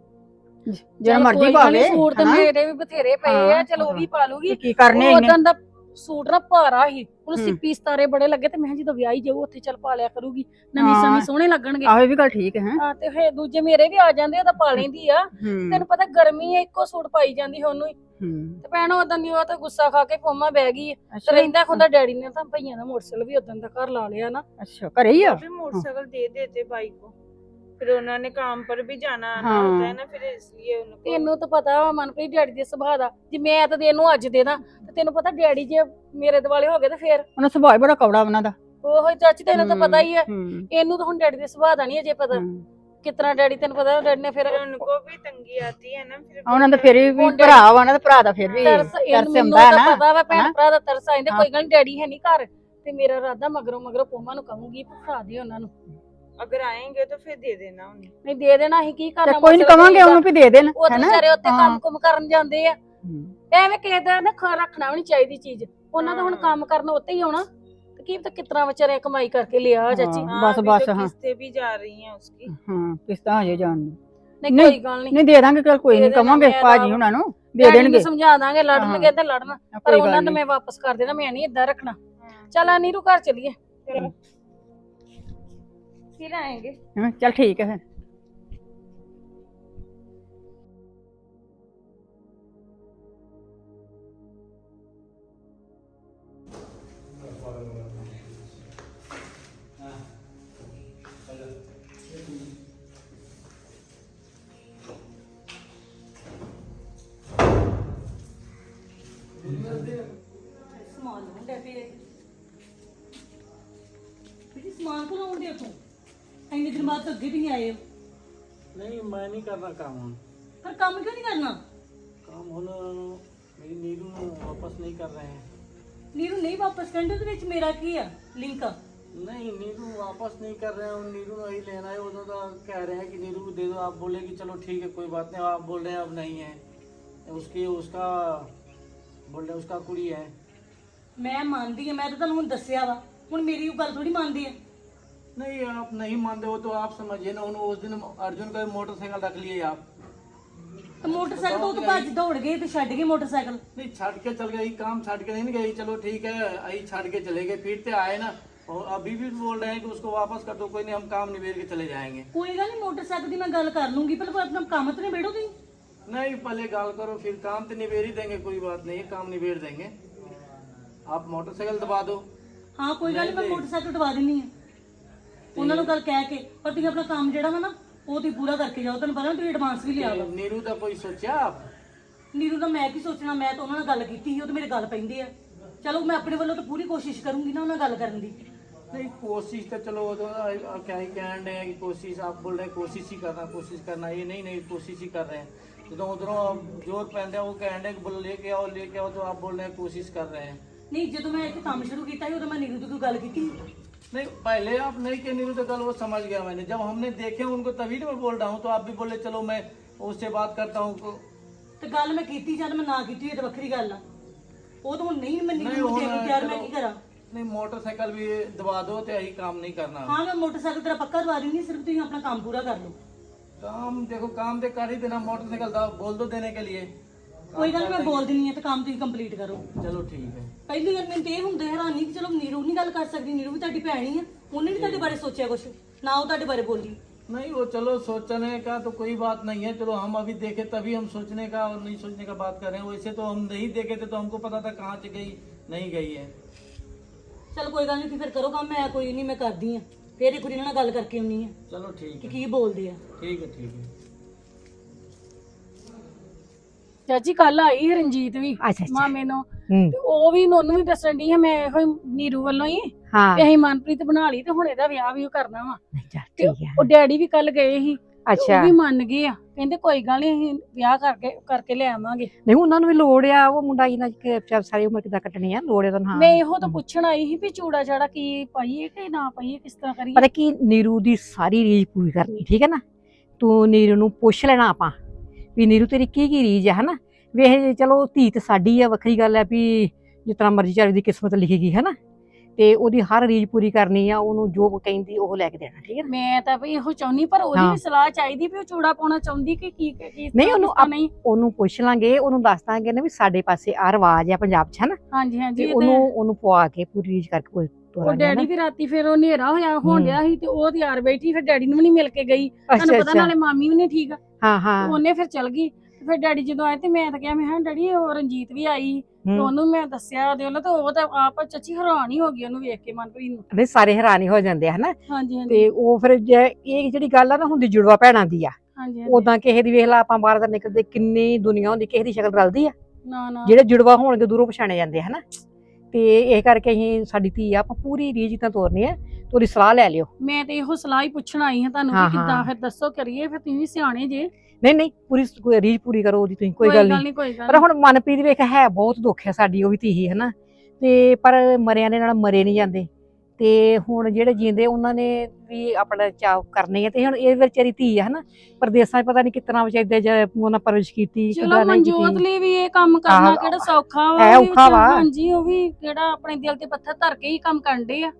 F: ਜਿਹੜਾ ਮਰਜ਼ੀ ਪਾਵੇ।
B: ਸੂਟ ਤਾਂ ਮੇਰੇ ਵੀ ਬਥੇਰੇ ਪਏ ਆ, ਚਲੋ ਉਹ ਵੀ ਪਾ ਲੂਗੀ।
F: ਕੀ ਕਰਨੇ ਇਹਨੇ।
B: ਉਦੋਂ ਦਾ ਸੂਟ ਨਾ ਭਾਰਾ ਹੀ, ਉਹਨੂੰ ਸਿੱਪੀ ਸਤਾਰੇ ਬੜੇ ਲੱਗੇ, ਤੇ ਮੈਂ ਜਦੋਂ ਵਿਆਹੀ ਜਾਊ ਉੱਥੇ ਚੱਲ ਪਾ ਲਿਆ ਕਰੂਗੀ, ਨਵੀਂ ਸਮੀ ਸੋਹਣੇ ਲੱਗਣਗੇ।
F: ਆਹੋ ਇਹ ਵੀ ਗੱਲ ਠੀਕ ਹੈ।
B: ਹਾਂ, ਤੇ ਫੇਰ ਦੂਜੇ ਮੇਰੇ ਵੀ ਆ ਜਾਂਦੇ, ਉਹ ਤਾਂ ਪਾ ਲੈਂਦੀ ਆ। ਤੈਨੂੰ ਪਤਾ ਗਰਮੀ ਆ, ਇੱਕੋ ਸੂਟ ਪਾਈ ਜਾਂਦੀ ਉਹਨੂੰ ਹੀ। ਤੇ ਭੈਣ ਉਦੋਂ ਦੀ ਉਹ ਤਾਂ ਗੁੱਸਾ ਖਾ ਕੇ ਪੋਮਾ ਬਹਿ ਗਈ, ਤੇ ਰਹਿੰਦਾ ਖੁੰਦਾ ਡੈਡੀ ਨੇ ਤਾਂ ਭਈਆਂ ਦਾ ਮੋਟਰਸਾਈਕਲ ਵੀ ਉਦੋਂ ਦਾ ਘਰ ਲਾ ਲਿਆ ਨਾ।
F: ਅੱਛਾ, ਘਰੇ ਹੀ ਆ।
A: मोटरसाइकिल दे देते भाई को, फिर उन्होंने काम पर भी जाना आना
F: हाँ।
A: होता है ना, फिर इसलिए उनको
B: ਤੈਨੂੰ ਤਾਂ ਪਤਾ ਵਾ ਮਨਪ੍ਰੀਤ ਡੈਡੀ ਦੇ ਸੁਭਾਅ ਦਾ, ਜੇ ਮੈਂ ਤਾਂ ਇਹਨੂੰ ਅੱਜ ਦੇ ਦਾਂ, ਤੇ ਤੈਨੂੰ ਪਤਾ ਡੈਡੀ ਜੇ ਮੇਰੇ ਦੁਆਲੇ ਹੋ ਗਏ ਤੇ ਫੇਰ
F: ਉਹਨਾਂ ਸੁਭਾਅ ਹੀ ਬੜਾ ਕੌੜਾ ਉਹਨਾਂ ਦਾ।
B: ਉਹੋ ਚਾਚੀ, ਤੈਨੂੰ ਤਾਂ ਪਤਾ ਹੀ ਹੈ।
F: ਹੂੰ।
B: ਇਹਨੂੰ ਤਾਂ ਹੁਣ ਡੈਡੀ ਦੇ ਸੁਭਾਅ ਦਾ ਨਹੀਂ ਅਜੇ ਪਤਾ, ਕਿਤਨਾ ਡੈਡੀ ਤੈਨੂੰ ਪਤਾ ਡੈਡੀ ਨੇ ਫਿਰ
A: फिर उनको भी तंगी आती है ना, फिर
F: ਉਹਨਾਂ ਦਾ ਫਿਰ ਵੀ ਭਰਾ ਵਾ ਨਾ, ਤੇ ਭਰਾ ਦਾ ਫਿਰ ਵੀ
B: ਤਰਸ,
F: ਤਰਸ
B: ਮੈਨੂੰ
F: ਹੁੰਦਾ
B: ਤਾਂ
F: ਨਾ।
B: ਪਤਾ ਵਾ ਭੈਣ
F: ਹਨਾ?
B: ਭਰਾ ਦਾ ਤਰਸ ਆਇੰਦੇ,
F: ਹਾਂ।
B: ਕੋਈ ਗੱਲ ਨੀ, ਡੈਡੀ ਹੈ ਨਹੀਂ ਘਰ, ਤੇ ਮੇਰਾ ਇਰਾਦਾ ਮਗਰੋਂ ਪੋਮਾ ਨੂੰ ਕਹੂੰਗੀ ਭਰਾ ਦੇ ਉਹਨਾਂ ਨੂੰ।
A: अगर आएंगे तो फिर दे देना उन्हें।
B: ਨਹੀਂ ਦੇ ਦੇਣਾ, ਅਸੀਂ ਕੀ
F: ਤੇ
B: ਕਰਨਾ।
F: ਕੋਈ ਨਹੀਂ ਕਵਾਂਗੇ ਉਹਨੂੰ ਵੀ ਦੇ ਦੇਣ,
B: ਉਹ ਤਾਂ
F: ਹੈਨਾ?
B: ਵਿਚਾਰੇ ਉੱਤੇ
F: ਹਾਂ।
B: ਕੰਮ ਕੁਮ ਕਰਨ ਜਾਂਦੇ ਆ, ਐਵੇਂ ਕਿਸੇ ਦਾ ਨਾ ਰੱਖਣਾ ਵੀ ਨਹੀਂ ਚਾਹੀਦੀ ਚੀਜ਼, ਉਹਨਾਂ ਦਾ ਹੁਣ ਕੰਮ ਕਰਨ ਉੱਤੇ ਹੀ ਆਉਣਾ, ਤੇ ਕੀ ਪਤਾ ਕਿਤਨਾ ਵਿਚਾਰੇ ਕਮਾਈ ਕਰਕੇ ਲਿਆ ਚਾਚੀ।
F: ਹਾਂ।
A: हाँ,
F: बस
A: अभी
F: बस
A: तो
F: हाँ।
A: किस्तें भी जा रही हैं उसकी।
F: ਹਾਂ, ਕਿਸ਼ਤਾਂ ਹਜੇ ਜਾਣ
B: ਨਹੀਂ
F: ਨਹੀਂ।
B: ਕੋਈ ਗੱਲ ਨਹੀਂ,
F: ਨਹੀਂ ਦੇ ਦਾਂਗੇ, ਚਲ ਕੋਈ
B: ਦੇ
F: ਨਹੀਂ
B: ਦੇਣਾ,
F: ਕਵਾਂਗੇ
B: ਮੈਂ
F: ਭਾਜੀ
B: ਤਾਂ-
F: ਉਹਨਾਂ ਨੂੰ ਦੇ
B: ਡੈਡੀ ਨੂੰ
F: ਦੇਣਗੇ।
B: ਸਮਝਾ ਦਾਂਗੇ, ਲੜਨਗੇ ਤੇ ਲੜਨ, ਪਰ
F: ਕੋਈ
B: ਉਹਨਾਂ
F: ਗੱਲ
B: ਨੂੰ
F: ਨਹੀਂ।
B: ਮੈਂ ਵਾਪਸ ਕਰ ਦੇਣਾ, ਮੈਂ ਨਹੀਂ ਏਦਾਂ ਰੱਖਣਾ। ਚੱਲ ਆ ਨੀਰੂ ਘਰ ਚੱਲੀਏ।
A: फिर आएंगे।
F: ਹਾਂ, ਚੱਲ ਠੀਕ ਹੈ ਫਿਰ।
B: ਸਮਾਨ ਕੋਲ ਆਉਂਦੇ ਉਥੋਂ ਇੰਨੇ ਦਿਨ ਬਾਅਦ ਤਾਂ ਅੱਗੇ ਵੀ ਨਹੀਂ ਆਏ ਹੋ।
E: नहीं मैं नहीं करना काम हम
B: ਪਰ ਕੰਮ ਕਿਉਂ ਨਹੀਂ ਕਰਨਾ?
E: काम ਹੁਣ मेरी नीरू ਨੂੰ वापस नहीं कर रहे हैं।
B: ਨੀਰੂ ਨਹੀਂ ਵਾਪਸ ਕਹਿੰਦੇ ਉਹਦੇ ਵਿੱਚ ਮੇਰਾ ਕੀ ਆ ਲਿੰਕ?
E: नहीं नीरू वापस नहीं कर रहे हैं, नीरू ने ही लेना है। वो तो कह रहे हैं कि नीरू को दे दो। आप बोले कि चलो ठीक है कोई बात नहीं, आप बोल रहे हैं अब नहीं है, उसकी उसका बोल रहे हैं उसका कुड़ी है।
B: ਮੈਂ ਮੰਨਦੀ ਆ, ਮੈਂ ਤਾਂ ਤੁਹਾਨੂੰ ਹੁਣ ਦੱਸਿਆ ਵਾ, ਹੁਣ ਮੇਰੀ ਉਹ ਗੱਲ ਥੋੜੀ ਮੰਨਦੀ ਆ।
E: नहीं आप नहीं मानते हो तो आप समझिए ना। उन्होंने उस दिन अर्जुन का मोटरसाइकिल रख लिए आप।
B: ਤੇ ਮੋਟਰਸਾਈਕਲ ਤੋਂ ਭੱਜ ਦੌੜ ਗਏ ਤੇ ਛੱਡ ਗਏ ਮੋਟਰਸਾਈਕਲ।
E: नहीं छाड़ के चल गई, काम छाड़ के नहीं गई। चलो ठीक है आई छाड़ के चले गए, फिर से आए ना और अभी भी बोल रहे हैं कि उसको वापस कर दो। कोई नहीं, हम काम निबेड़ के चले जाएंगे।
B: ਕੋਈ ਗੱਲ ਨਹੀਂ, ਮੋਟਰਸਾਈਕਲ ਦੀ ਮੈਂ ਗੱਲ ਕਰ ਲੂੰਗੀ, ਪਰ ਆਪਣਾ ਕੰਮ तो ਨਿਬੇੜੋ ਤੁਸੀਂ।
E: नहीं पहले गाल करो, फिर काम तो निबेड़ ही देंगे, कोई बात नहीं है, काम निबेड़ देंगे। आप मोटरसाइकिल दबा दो।
B: ਹਾਂ ਕੋਈ ਗੱਲ ਨਹੀਂ, ਮੈਂ ਮੋਟਰਸਾਈਕਲ ਦਵਾ ਦਿੰਨੀ ਆ ਉਹਨਾਂ ਨੂੰ ਗੱਲ ਕਹਿ ਕੇ। ਪਰ ਤੁਸੀਂ ਆਪਣਾ ਕੰਮ ਜਿਹੜਾ ਵਾ ਨਾ ਉਹ ਤੁਸੀਂ ਪੂਰਾ ਕਰਕੇ ਜਾਓ। ਤੁਹਾਨੂੰ ਪਤਾ ਤੁਸੀਂ ਐਡਵਾਂਸ ਵੀ ਲਿਆ ਵਾ।
E: नीरू का कोई सोचा आप?
B: ਨੀਰੂ ਦਾ ਮੈਂ ਕੀ ਸੋਚਣਾ, ਮੈਂ ਤਾਂ ਉਹਨਾਂ ਨਾਲ ਗੱਲ ਕੀਤੀ ਸੀ, ਉਹ ਤਾਂ ਮੇਰੇ ਗੱਲ ਪੈਂਦੇ ਆ। ਚਲੋ ਮੈਂ ਆਪਣੇ ਵੱਲੋਂ ਤਾਂ ਪੂਰੀ ਕੋਸ਼ਿਸ਼ ਕਰੂੰਗੀ ਨਾ ਉਹਨਾਂ ਨਾਲ ਗੱਲ ਕਰਨ ਦੀ।
E: नहीं कोशिश तो चलो वो तो क्या ही कह रहे हैं कि कोशिश, आप बोल रहे हैं कोशिश ही करना। ये नहीं कोशिश ही कर रहे हैं। तो उधरों जोर पहन रहे हैं, वो कह रहे हैं कि बोलो लेके आओ, तो आप बोल रहे हैं कोशिश कर रहे हैं।
B: ਨਹੀਂ ਜਦੋਂ ਮੈਂ ਇੱਥੇ ਕੰਮ ਸ਼ੁਰੂ ਕੀਤਾ ਸੀ ਉਦੋਂ ਮੈਂ ਨੀਰੂ ਦੀ ਕੋਈ ਗੱਲ ਕੀਤੀ?
E: नहीं पहले आप नहीं के नीरू तो कल वो समझ गया मैंने। जब हमने देखे उनको तभी तो मैं बोल रहा हूँ। तो आप भी बोले चलो मैं उससे बात करता हूँ।
B: ਤੇ ਗੱਲ ਮੈਂ ਕੀਤੀ ਜਦ ਮੈਂ ਨਾ ਕੀਤੀ ਇਹ ਤਾਂ ਵੱਖਰੀ ਗੱਲ ਆ। ਉਹ ਤਾਂ ਹੁਣ ਨਹੀਂ ਮੰਨੀ
E: नहीं
B: ਮੈਨੂੰ
E: होना
B: ਤਿਆਰ, ਮੈਂ
E: चलो।
B: ਕੀ ਕਰਾਂ?
E: नहीं मोटरसाइकिल भी दबा दो तो यही काम नहीं करना।
B: ਹਾਂ ਮੈਂ ਮੋਟਰਸਾਈਕਲ ਤੇਰਾ ਪੱਕਾ ਦਵਾ ਦਿੰਦੀ, ਸਿਰਫ ਤੁਸੀਂ ਆਪਣਾ ਕੰਮ ਪੂਰਾ ਕਰ ਲਓ।
E: काम देखो काम तो कर ही देना। मोटरसाइकिल बोल दो देने के लिए।
B: ਕੋਈ ਗੱਲ ਨੀ, ਮੈਂ ਬੋਲ ਦਿੰਨੀ ਆ ਤੇ ਕੰਮ ਤੁਸੀਂ ਕੰਪਲੀਟ ਕਰੋ।
E: चलो ठीक है।
B: ਪਹਿਲੀ ਗੱਲ ਮੈਨੂੰ ਤੇ ਇਹ ਹੁੰਦਾ ਹੈਰਾਨੀ ਕਿ ਚਲੋ ਨੀਰੂ ਨਹੀਂ ਗੱਲ ਕਰ ਸਕਦੀ, ਨੀਰੂ ਵੀ ਤੁਹਾਡੀ ਭੈਣ ਹੀ ਆ, ਉਹਨੇ ਵੀ ਤੁਹਾਡੇ ਬਾਰੇ ਸੋਚਿਆ ਕੁਛ ਨਾ, ਉਹ ਤੁਹਾਡੇ ਬਾਰੇ ਬੋਲੀ।
E: नहीं वो चलो सोचने का तो कोई बात नहीं है। चलो हम अभी देखे तभी हम सोचने का और नहीं सोचने का बात कर रहे हैं। वैसे तो हम नहीं देखे थे तो हमको पता था कहाँ से गई नहीं गई है।
B: ਚਲ ਕੋਈ ਗੱਲ ਨਹੀਂ, ਤੁਸੀਂ ਫਿਰ ਕਰੋ ਕੰਮ, ਮੈਂ ਕੋਈ ਨਹੀਂ, ਮੈਂ ਕਰਦੀ ਆ ਫਿਰ ਇੱਕ ਵਾਰੀ ਇਹਨਾਂ ਨਾਲ ਗੱਲ ਕਰਕੇ ਆਉਣੀ ਆ
E: चलो ठीक
B: ਕਿ
E: है
B: ਕੀ ਬੋਲਦੇ ਆ।
E: ठीक है ठीक है।
B: ਚਾਚੀ ਕੱਲ ਆਈ ਰਣਜੀਤ ਵੀ
F: ਅੱਛਾ
B: ਮਾਮੇ ਨੂੰ,
F: ਹੂੰ
B: ਤੇ ਉਹ ਵੀ ਉਹਨੂੰ ਵੀ ਦੱਸਣ ਦੀ ਹੈ ਮੈਂ ਇਹੋ ਹੀ ਨੀਰੂ ਵੱਲੋਂ ਹੀ
F: ਹਾਂ
B: ਤੇ ਅਸੀਂ ਮਨਪ੍ਰੀਤ ਬਣਾ ਲਈ ਤੇ ਹੁਣ ਇਹਦਾ ਵਿਆਹ ਵੀ ਉਹ ਕਰਨਾ ਵਾ।
F: ਚੱਲ
B: ਤੇ
F: ਠੀਕ ਹੈ।
B: ਉਹ ਡੈਡੀ ਵੀ ਕੱਲ ਗਏ ਸੀ, ਤੇ
F: ਅੱਛਾ
B: ਉਹ ਵੀ ਮੰਨ ਗਏ ਆ, ਕਹਿੰਦੇ ਕੋਈ ਗੱਲ ਨਹੀਂ ਅਸੀਂ ਵਿਆਹ ਕਰਕੇ ਲੈ ਆਵਾਂਗੇ।
F: ਨਹੀਂ ਉਹਨਾਂ ਨੂੰ ਵੀ ਲੋੜ ਆ, ਉਹ ਮੁੰਡਾ ਇਹਨਾਂ ਚ ਸਾਰੀ ਉਮਰ ਕਿੱਦਾਂ ਕੱਟਣੀ ਆ, ਲੋੜ ਆ ਤਾਂ ਹਾਂ।
B: ਮੈਂ ਇਹੋ ਤਾਂ ਪੁੱਛਣ ਆਈ ਸੀ ਵੀ ਚੂੜਾ ਚਾੜਾ ਕੀ ਪਾਈਏ ਕਿ ਨਾ ਪਾਈਏ, ਕਿਸ ਤਰ੍ਹਾਂ ਕਰੀਏ।
F: ਪਤਾ ਕੀ, ਨੀਰੂ ਦੀ ਸਾਰੀ ਰੀਝ ਪੂਰੀ ਕਰਨੀ, ਠੀਕ ਹੈ ਨਾ। ਤੂੰ ਨੀਰੂ ਨੂੰ ਪੁੱਛ ਲੈਣਾ ਆਪਾਂ ਵੀ ਨੀਰੂ ਤੇਰੀ ਕੀ ਰੀਝ ਆ, ਹਨਾ। ਵੇਖ ਚਲੋ ਧੀ ਤੇ ਸਾਡੀ ਆ, ਵੱਖਰੀ ਗੱਲ ਹੈ ਵੀ ਜਿਸ ਤਰ੍ਹਾਂ ਮਰਜ਼ੀ ਚਾਹੇ ਦੀ ਕਿਸਮਤ ਲਿਖੀ ਗਈ, ਹਨਾ। ਤੇ ਉਹਦੀ ਹਰ ਰੀਝ ਪੂਰੀ ਕਰਨੀ ਆ, ਉਹਨੂੰ ਜੋ ਕਹਿੰਦੀ ਉਹ ਲੈ ਕੇ ਦੇਣਾ, ਠੀਕ ਹੈ ਨਾ।
B: ਮੈਂ ਤਾਂ ਵੀ ਇਹੋ ਚਾਹੁੰਦੀ, ਪਰ ਉਹਦੀ
F: ਹਾਂ।
B: ਵੀ ਸਲਾਹ ਚਾਹੀਦੀ ਵੀ ਉਹ ਚੂੜਾ ਪਾਉਣਾ ਚਾਹੁੰਦੀ ਕਿ ਕੀ
F: ਨਹੀਂ ਉਹਨੂੰ
B: ਨਹੀਂ।
F: ਉਹਨੂੰ ਪੁੱਛ ਲਾਂਗੇ, ਉਹਨੂੰ ਦੱਸ ਦਾਂਗੇ ਨਾ ਵੀ ਸਾਡੇ ਪਾਸੇ ਆ ਰਿਵਾਜ ਆ ਪੰਜਾਬ 'ਚ, ਹਨਾ।
B: ਹਾਂਜੀ ਹਾਂਜੀ
F: ਤੇ
B: ਇਹ ਤਾਂ ਹੈ।
F: ਉਹਨੂੰ ਪਵਾ ਕੇ ਪੂਰੀ ਰੀਝ ਕਰਕੇ ਕੋਈ
B: ਉਹ
F: ਤੋਰਾਂਗੇ,
B: ਡੈਡੀ
F: ਹਨਾ।
B: ਵੀ ਰਾਤੀ ਫਿਰ ਉਹ ਹਨੇਰਾ ਹੋਇਆ ਹੋਣ ਡਿਆ ਸੀ ਤੇ ਉਹ ਤਿਆਰ ਬੈਠੀ, ਫਿਰ ਡੈਡੀ ਨੂੰ ਵੀ ਨਹੀਂ ਮਿਲ ਕੇ ਗਈ। ਤੁਹਾਨੂੰ
F: ਅੱਛਾ
B: ਪਤਾ
F: ਅੱਛਾ,
B: ਨਾਲੇ ਮਾਮੀ ਵੀ ਨਹੀਂ ਠੀਕ,
F: ਹਾਂ ਹਾਂ।
B: ਉਹਨੇ ਫਿਰ ਚਲ ਗਈ। ਤੇ ਫਿਰ ਡੈਡੀ ਜਦੋਂ ਆਏ ਤੇ ਮੈਂ ਤਾਂ ਕਿਹਾ, ਮੈਂ ਕਿਹਾ ਡੈਡੀ ਉਹ ਰਣਜੀਤ ਵੀ ਆਈ, ਤੇ
F: ਹੂੰ।
B: ਉਹਨੂੰ ਮੈਂ ਦੱਸਿਆ ਉਹਦੇ ਵੱਲੋਂ, ਤੇ ਉਹ ਤਾਂ ਆਪ ਚਾਚੀ ਹੈਰਾਨ ਹੀ ਹੋ ਗਈ ਉਹਨੂੰ ਵੇਖ ਕੇ, ਮਨਪ੍ਰੀਤ ਨੂੰ।
F: ਨਹੀਂ ਸਾਰੇ ਹੈਰਾਨ ਹੀ ਹੋ ਜਾਂਦੇ ਆ, ਹਨਾ।
B: ਹਾਂਜੀ ਹਾਂਜੀ
F: ਤੇ ਉਹ ਫਿਰ ਇਹ ਜਿਹੜੀ ਗੱਲ ਆ ਨਾ ਹੁੰਦੀ ਜੁੜਵਾ ਭੈਣਾਂ ਦੀ ਆ।
B: ਹਾਂਜੀ
F: ਉਦਾਂ ਕਿਸੇ ਦੀ ਵੇਖ ਲਾ, ਆਪਾਂ ਬਾਹਰ ਦਾ ਨਿਕਲਦੇ ਕਿੰਨੀ ਦੁਨੀਆ ਹੁੰਦੀ, ਕਿਸੇ ਦੀ ਸ਼ਕਲ ਰਲਦੀ ਆ।
B: ਨਾ ਨਾ
F: ਜਿਹੜੇ ਜੁੜਵਾ ਹੋਣਗੇ ਦੂਰੋਂ ਪਛਾਣੇ ਜਾਂਦੇ, ਹਨਾ। ਤੇ ਇਹ ਕਰਕੇ ਅਸੀਂ ਸਾਡੀ ਧੀ ਆ, ਆਪਾਂ ਪੂਰੀ ਰੀਝ ਤਾਂ ਤੋਰਨੀ ਆ, ਤੇ ਉਹਦੀ ਸਲਾਹ ਲੈ ਲਿਓ।
B: ਮੈਂ ਤੇ ਇਹੋ ਸਲਾਹ ਹੀ ਪੁੱਛਣ ਆਈ ਹਾਂ ਤੁਹਾਨੂੰ
F: ਹਾਂ,
B: ਕਿ ਕਿੱਦਾਂ
F: ਹਾਂ।
B: ਫਿਰ ਦੱਸੋ ਕਰੀਏ, ਫਿਰ ਤੁਸੀਂ ਵੀ ਸਿਆਣੇ ਜੇ।
F: ਨਹੀਂ ਪੂਰੀ ਰੀਝ ਪੂਰੀ ਕਰੋ ਉਹਦੀ, ਤੁਸੀਂ ਕੋਈ ਗੱਲ ਨਹੀਂ।
B: ਕੋਈ ਗੱਲ
F: ਪਰ ਹੁਣ ਮਨਪ੍ਰੀਤ ਵੇਖ ਹੈ ਬਹੁਤ ਦੁੱਖ ਹੈ ਸਾਡੀ, ਉਹ ਵੀ ਧੀ ਹੀ, ਹਨਾ। ਤੇ ਪਰ ਮਰਿਆਂ ਦੇ ਨਾਲ ਮਰੇ ਨਹੀਂ ਜਾਂਦੇ, ਤੇ ਹੁਣ ਜਿਹੜੇ ਜੀਂਦੇ ਉਹਨਾਂ ਨੇ ਵੀ ਆਪਣਾ ਚਾਅ ਕਰਨੇ ਆ। ਤੇ ਹੁਣ ਇਹ ਵਿਚਾਰੀ ਧੀ ਆ, ਹਨਾ। ਪਰਦੇਸਾਂ 'ਚ ਪਤਾ ਨਹੀਂ ਕਿਤਨਾ ਵਿਚਾਰੀ ਉਹਨਾਂ ਪਰਵਰਿਸ਼ ਕੀਤੀ,
B: ਚਲੋ
F: ਕਿੱਦਾਂ ਨਹੀਂ
B: ਮਨਜੋਤ
F: ਕੀਤੀ।
B: ਲਈ ਵੀ ਇਹ ਕੰਮ ਕਰਨਾ
F: ਆਹ,
B: ਕਿਹੜਾ ਸੌਖਾ ਵਾ,
F: ਹੈ
B: ਉਹ ਵੀ
F: ਔਖਾ ਵਾ।
B: ਹਾਂਜੀ ਉਹ ਵੀ ਕਿਹੜਾ ਆਪਣੇ ਦਿਲ ਤੇ ਪੱਥਰ ਧਰ ਕੇ ਹੀ ਕੰਮ ਕਰਦੇ ਆ।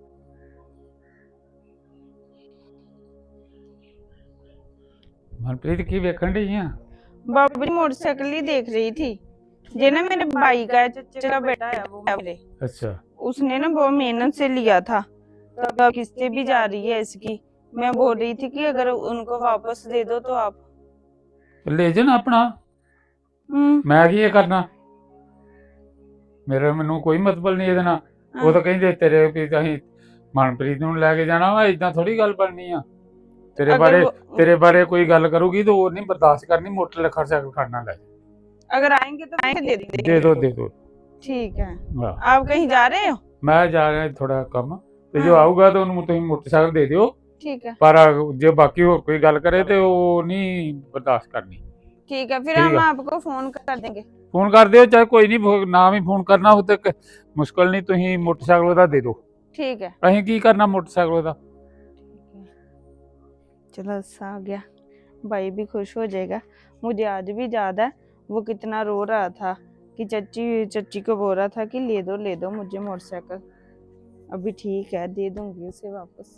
C: मनप्रीत की वेखन रही हैं?
A: बाबू जी मोटरसाइकिल ही देख रही थी। जे ना मेरे भाई का चचा का बेटा है वो मेरे,
C: अच्छा
A: उसने ना बहुत मेहनत से लिया था, तब किस्तें भी जा रही है इसकी। मैं बोल रही थी कि अगर उनको वापस दे दो तो आप।
C: ले जाना अपना, मैं की करना, मेरा मैनू कोई मतलब नहीं ਇਹਦੇ ਨਾਲ। ਉਹ ਤਾਂ ਕਹਿੰਦੇ ਤੇਰੇ ਵੀ ਅਸੀਂ ਮਨਪ੍ਰੀਤ ਨੂੰ ਲੈ ਕੇ ਜਾਣਾ ਵਾ, ਇਦਾਂ ਥੋੜੀ ਗੱਲ ਬਣਨੀ ਆ। ਤੇਰੇ ਬਾਰੇ ਕੋਈ ਗੱਲ ਕਰੂਗੀ ਤਾਂ ਉਹ ਨਹੀਂ ਬਰਦਾਸ਼ਤ ਕਰਨੀ, ਮੋਟਰ ਖਰਚਾ ਕਰਨਾ ਲੈ।
A: अगर आएंगे तो दे
C: दे दो
A: ठीक है।
C: हाँ।
A: आप कहीं जा रहे हो?
C: मैं जा रहा थोड़ा कम, ਤੇ ਜੋ ਆਊਗਾ ਤਾਂ ਉਹਨੂੰ ਤੁਸੀਂ ਮੋਟਰਸਾਈਕਲ ਦੇ ਦਿਓ,
A: ਠੀਕ ਹੈ
C: ਪਰ ਜੇ ਬਾਕੀ ਹੋਰ ਕੋਈ ਗੱਲ ਕਰੇ ਤੇ ਉਹ ਨਹੀਂ ਬਰਦਾਸ਼ਤ करनी।
A: ठीक है, फिर
C: ठीक
A: हम
C: है।
A: आपको फोन कर देंगे।
C: फोन कर दियो, चाहे कोई नहीं, ना भी फोन करना हो तो मुश्किल नहीं, तुम मोटरसाइकिल ओहदा दे दो।
A: ठीक है,
C: असीं की करना मोटरसाइकिल ओहदा।
A: चलो अच्छा आ गया, भाई भी खुश हो जाएगा। मुझे आज भी याद है वो कितना रो रहा था कि चच्ची को बोल रहा था कि ले दो मुझे मोटरसाइकिल। अभी ठीक है, दे दूंगी उसे वापस।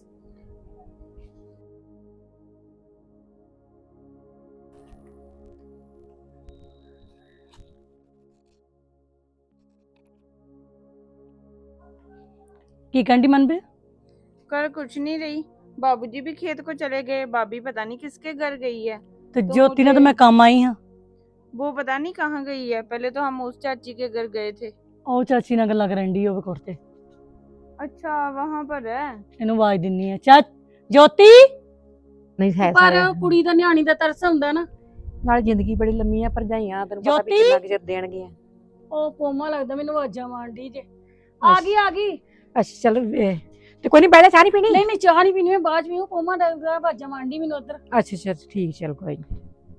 B: ਕੀ ਕਹਿੰਦੀ ਮਨਪ੍ਰੀਤ?
A: कर कुछ नहीं रही, बाबूजी भी खेत को चले गए, भाभी पता नहीं किसके घर गई है।
B: ਤੇ
A: तो
B: ਜੋਤੀ ਨਾਲ ਤਾਂ
A: मुझे-
B: ਮੈਂ ਕੰਮ ਆਈ ਹਾਂ।
A: वो पता नहीं कहाँ गई है। पहले तो हम उस चाची के घर गए थे।
B: ਉਹ ਚਾਚੀ ਨਾਲ ਗੱਲਾਂ ਕਰਨ ਦੀ ਹੋਵੇ ਕੋਠੇ।
A: अच्छा वहां पर है।
B: ਇਹਨੂੰ ਆਵਾਜ਼ ਦਿੰਨੀ ਆ, ਚਾ ਜੋਤੀ।
F: ਨਹੀਂ ਹੈ
B: ਪਰ
F: ਸਾਰੇ
B: ਕੁੜੀ ਦਾ ਨਿਆਣੀ ਦਾ ਤਰਸ ਹੁੰਦਾ ਨਾ।
F: ਨਾਲ ਜ਼ਿੰਦਗੀ ਬੜੀ ਲੰਮੀ ਆ, ਭਰਜਾਈਆਂ ਤੈਨੂੰ ਪਤਾ ਵੀ
B: ਜੋਤੀ?
F: ਕਿੰਨਾ ਕੁ ਚਿਰ ਦੇਣਗੀਆਂ।
B: ਉਹ ਪੋਮਾ ਲੱਗਦਾ ਮੈਨੂੰ ਆਵਾਜ਼ਾਂ ਮਾਰਦੀ ਜੇ। ਆ ਗਈ।
F: ਅੱਛਾ ਚਲ ਤੇ ਕੋਈ ਨਹੀਂ, ਬੈਠਾ ਚਾਹ ਨਹੀਂ ਪੀਣੀ?
B: ਨਹੀਂ ਚਾਹ ਨਹੀਂ ਪੀਣੀ, ਮੈਂ ਬਾਅਦ ਚ ਪੀਉ। ਪੋਮਾ ਲੱਗਦਾ ਆਵਾਜ਼ਾਂ ਮਾਰਦੀ ਮੈਨੂੰ ਉਧਰ।
F: ਅੱਛਾ ਠੀਕ, ਚਲ ਕੋਈ ਨਹੀਂ,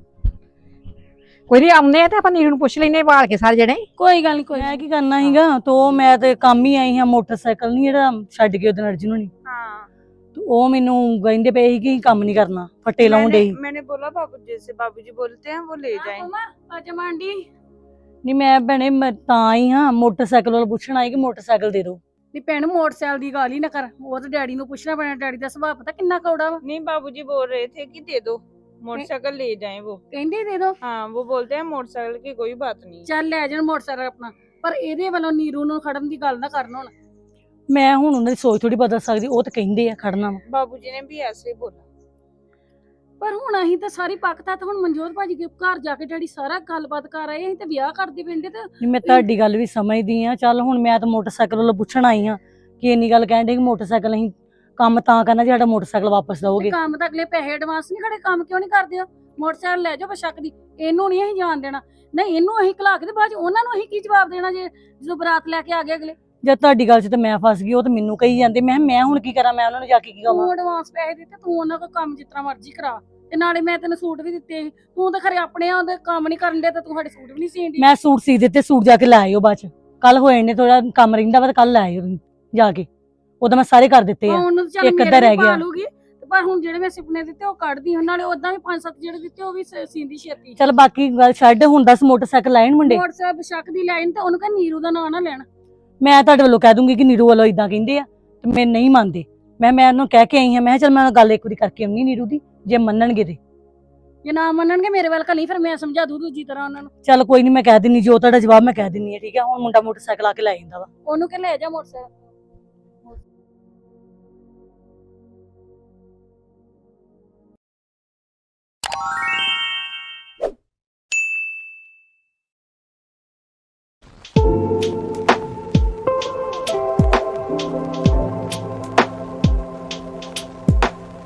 F: ਕੋਈ ਨਹੀਂ, ਆਉਂਦੇ ਆ ਤੇ ਆਪਾਂ ਨੀਰੂ ਨੂੰ ਪੁੱਛ ਲੈਨੇ ਵਾਲ ਕੇ ਸਾਰੇ ਜਣੇ।
B: ਕੋਈ ਗੱਲ ਨਹੀਂ। ਮੈਂ ਕੀ ਕਰਨਾ ਸੀਗਾ, ਤੋ ਮੈਂ ਤੇ ਕੰਮ ਹੀ ਆਈ ਹਾਂ। ਮੋਟਰਸਾਈਕਲ ਨਹੀਂ ਜਿਹੜਾ ਛੱਡ ਕੇ ਉਹਦੇ ਅਰਜੁਨ ਨੂੰ
A: हाँ
B: ਤੇ ਉਹ ਮੈਨੂੰ ਕਹਿੰਦੇ ਪਏ ਸੀ ਕਿ ਕੰਮ ਨਹੀਂ ਕਰਨਾ, ਫੱਟੇ ਲਾਉਣ ਦੇ।
A: मैंने बोला बाबूजी से, बाबूजी बोलते हैं वो ले जाएं।
B: ਆਵਾਜ਼ਾਂ ਮਾਰਦੀ ਨਹੀਂ। ਮੈਂ ਭੈਣੇ ਮੈਂ ਤਾਂ ਆਈ ਹਾਂ, ਮੋਟਰਸਾਈਕਲ ਵਾਲਾ ਪੁੱਛਣ ਆਈ ਕਿ ਮੋਟਰਸਾਈਕਲ ਦੇ ਦਿਓ। ਨਹੀਂ ਭੈਣ, ਮੋਟਰਸਾਈਕਲ ਦੀ ਗੱਲ ਹੀ ਨਾ ਕਰ। ਉਹ ਤਾਂ ਡੈਡੀ ਨੂੰ ਪੁੱਛਣਾ ਪੈਣਾ, ਡੈਡੀ ਦਾ ਸੁਭਾਅ ਪਤਾ ਕਿੰਨਾ ਕੌੜਾ ਵਾ।
A: नहीं बाबूजी बोल रहे थे कि दे दो मोटरसाइकिल, ले जाएं वो।
B: ਕਹਿੰਦੇ ਦੇ ਦਿਓ।
A: हाँ वो बोलते हैं मोटरसाइकिल की कोई बात नहीं।
B: ਚੱਲ ਲੈ ਜਾਣ ਮੋਟਰਸਾਈਕਲ ਆਪਣਾ, ਪਰ ਇਹਦੇ ਵੱਲੋਂ ਨੀਰੂ ਨੂੰ ਖੜਨ ਦੀ ਗੱਲ ਨਾ ਕਰਨ ਹੁਣ। ਮੈਂ ਹੁਣ ਉਹਨਾਂ ਦੀ ਸੋਚ ਥੋੜੀ ਬਦਲ ਸਕਦੀ, ਉਹ ਤਾਂ ਕਹਿੰਦੇ ਆ ਖੜਨਾ ਵਾ।
A: बाबूजी ने भी ऐसे ही बोला।
B: ਪਰ ਹੁਣ ਅਸੀਂ ਤਾਂ ਸਾਰੀ ਪੱਕਤਾ ਤਾਂ ਹੁਣ ਮਨਜੋਤ ਭਾਜੀ ਦੇ ਘਰ ਜਾ ਕੇ ਡੈਡੀ ਸਾਰਾ ਗੱਲਬਾਤ ਕਰ ਆਏ। ਅਸੀਂ ਤਾਂ ਵਿਆਹ ਕਰਦੇ ਪਿੰਡੇ ਤੇ। ਮੈਂ ਤੁਹਾਡੀ ਗੱਲ ਵੀ ਸਮਝਦੀ ਆ। ਚੱਲ ਹੁਣ ਮੈਂ ਤਾਂ ਮੋਟਰਸਾਈਕਲ ਵੱਲੋਂ ਪੁੱਛਣ ਆਈ ਆ ਕਿ ਇੰਨੀ ਗੱਲ ਕਹਿਣ ਦੇ ਕਿ ਮੋਟਰਸਾਈਕਲ ਅਸੀਂ ਕੰਮ ਤਾਂ ਕਰਨਾ ਜੇ ਸਾਡਾ ਮੋਟਰਸਾਈਕਲ ਵਾਪਸ ਦਓਗੇ। ਕੰਮ ਤਾਂ ਅਗਲੇ ਪੈਸੇ ਐਡਵਾਂਸ ਨਹੀਂ ਖੜੇ, ਕੰਮ ਕਿਉਂ ਨਹੀਂ ਕਰਦੇ ਹੋ? ਮੋਟਰਸਾਈਕਲ ਲੈ ਜਾਓ ਬਸ਼ੱਕ ਦੀ। ਇਹਨੂੰ ਨਹੀਂ ਅਸੀਂ ਜਾਣ ਦੇਣਾ। ਨਹੀਂ ਇਹਨੂੰ ਅਸੀਂ ਘਲਾ ਕੇ ਤੇ ਬਾਅਦ ਚ ਉਹਨਾਂ ਨੂੰ ਅਸੀਂ ਕੀ ਜਵਾਬ ਦੇਣਾ ਜੇ ਜਦੋਂ ਬਰਾਤ ਲੈ ਕੇ ਆ ਗਏ ਅਗਲੇ। ਜਦ ਤੁਹਾਡੀ ਗੱਲ 'ਚ ਤਾਂ ਮੈਂ ਫਸ ਗਈ, ਉਹ ਤਾਂ ਮੈਨੂੰ ਕਹੀ ਜਾਂਦੇ। ਮੈਂ ਹੁਣ ਕੀ ਕਰਾਂ? ਮੈਂ ਉਹਨਾਂ ਨੂੰ ਜਾ ਕੇ ਕੀ ਕਹਾਂ? ਤੂੰ ਐਡਵਾਂਸ ਪੈਸੇ ਦਿੱਤੇ, ਤੂੰ ਉਹਨਾਂ ਕੋਲ ਕੰਮ ਜਿਸ ਤਰ੍ਹਾਂ ਮਰਜ਼ੀ ਕਰਾ। ਤੇ ਨਾਲੇ ਮੈਂ ਤੈਨੂੰ ਸੂਟ ਵੀ ਦਿੱਤੇ ਸੀ, ਤੂੰ ਤਾਂ ਖਰੇ ਆਪਣੇ ਉਹਦੇ ਕੰਮ ਨਹੀਂ ਕਰਨ ਦੇ, ਤੇ ਤੂੰ ਸਾਡੇ ਸੂਟ ਵੀ ਨਹੀਂ ਸੀਣ ਦੀ। ਮੈਂ ਸੂਟ ਸੀ ਦਿੱਤੇ, ਸੂਟ ਜਾ ਕੇ ਲੈ ਆਇਓ ਬਾਅਦ ਚ। ਕੱਲ ਹੋਏ ਨੇ ਥੋੜਾ ਕੰਮ ਰਹਿੰਦਾ ਵਾ, ਕੱਲ ਲੈ ਆਇਓ ਜਾ ਕੇ। ਉਹਦਾ ਮੈਂ ਸਾਰੇ ਕਰ ਦਿੱਤੇ ਆ, ਇੱਕ ਅੱਧਾ ਰਹਿ ਗਿਆ। ਪਰ ਹੁਣ ਜਿਹੜੇ ਮੈਂ ਸੁਪਨੇ ਦਿੱਤੇ ਉਹ ਕੱਢਦੀ ਹਾਂ, ਨਾਲੇ ਉਦਾਂ ਵੀ 5-7 ਜਿਹੜੇ ਦਿੱਤੇ ਉਹ ਵੀ ਸੀਂਦੀ ਛੇਤੀ। ਚੱਲ ਬਾਕੀ ਗੱਲ ਛੱਡ, ਹੁਣ 10 ਮੋਟਰਸਾਈਕਲ ਲੈਣ ਮੁੰਡੇ। ਮੋਟਰਸਾਈਕਲ ਬਸ਼ੱਕ ਦੀ ਲਾਈਨ, ਤੇ ਉਹਨੂੰ ਕਹ ਨੀਰੂ ਦਾ ਨਾਂ ਨਾ ਲੈਣ। ਮੈਂ ਤੁਹਾਡੇ ਵੱਲੋਂ ਕਹਿ ਦੂੰਗੀ ਕਿ ਨੀਰੂ ਵੱਲੋਂ ਇਦਾਂ ਕਹਿੰਦੇ ਆ, ਤੇ ਮੈਂ ਨਹੀਂ ਮੰਨਦੇ। ਮੈਂ ਉਹਨੂੰ ਕਹਿ ਕੇ ਆਈ ਹਾਂ, ਮੈਂ ਕਿਹਾ ਚੱਲ ਮੈਂ ਗੱਲ ਇੱਕ ਵਾਰੀ ਕਰਕੇ ਆਉਣੀ ਨੀਰੂ ਦੀ, ਜੇ ਮੰਨਣਗੇ ਤੇ। ਜੇ ਨਾ ਮੰਨਣਗੇ ਮੇਰੇ ਵੱਲ ਘਲੀ, ਫਿਰ ਮੈਂ ਸਮਝਾ ਦੂ ਦੂਜੀ ਤਰ੍ਹਾਂ ਉਹਨਾਂ ਨੂੰ। ਚੱਲ ਕੋਈ ਨਹੀਂ, ਮੈਂ ਕਹਿ ਦਿੰਨੀ, ਜੋ ਤੁਹਾਡਾ ਜਵਾਬ ਮੈਂ ਕਹਿ ਦਿੰਨੀ ਆ, ਠੀਕ ਹੈ? ਹੁਣ ਮੁੰਡਾ ਮੋਟਰਸਾਈਕਲ ਆ ਕੇ ਲੈ ਜਾਂਦਾ ਵਾ, ਉਹਨੂੰ ਕਿ ਲੈ ਜਾ ਮੋਟਰਸਾਈਕਲ।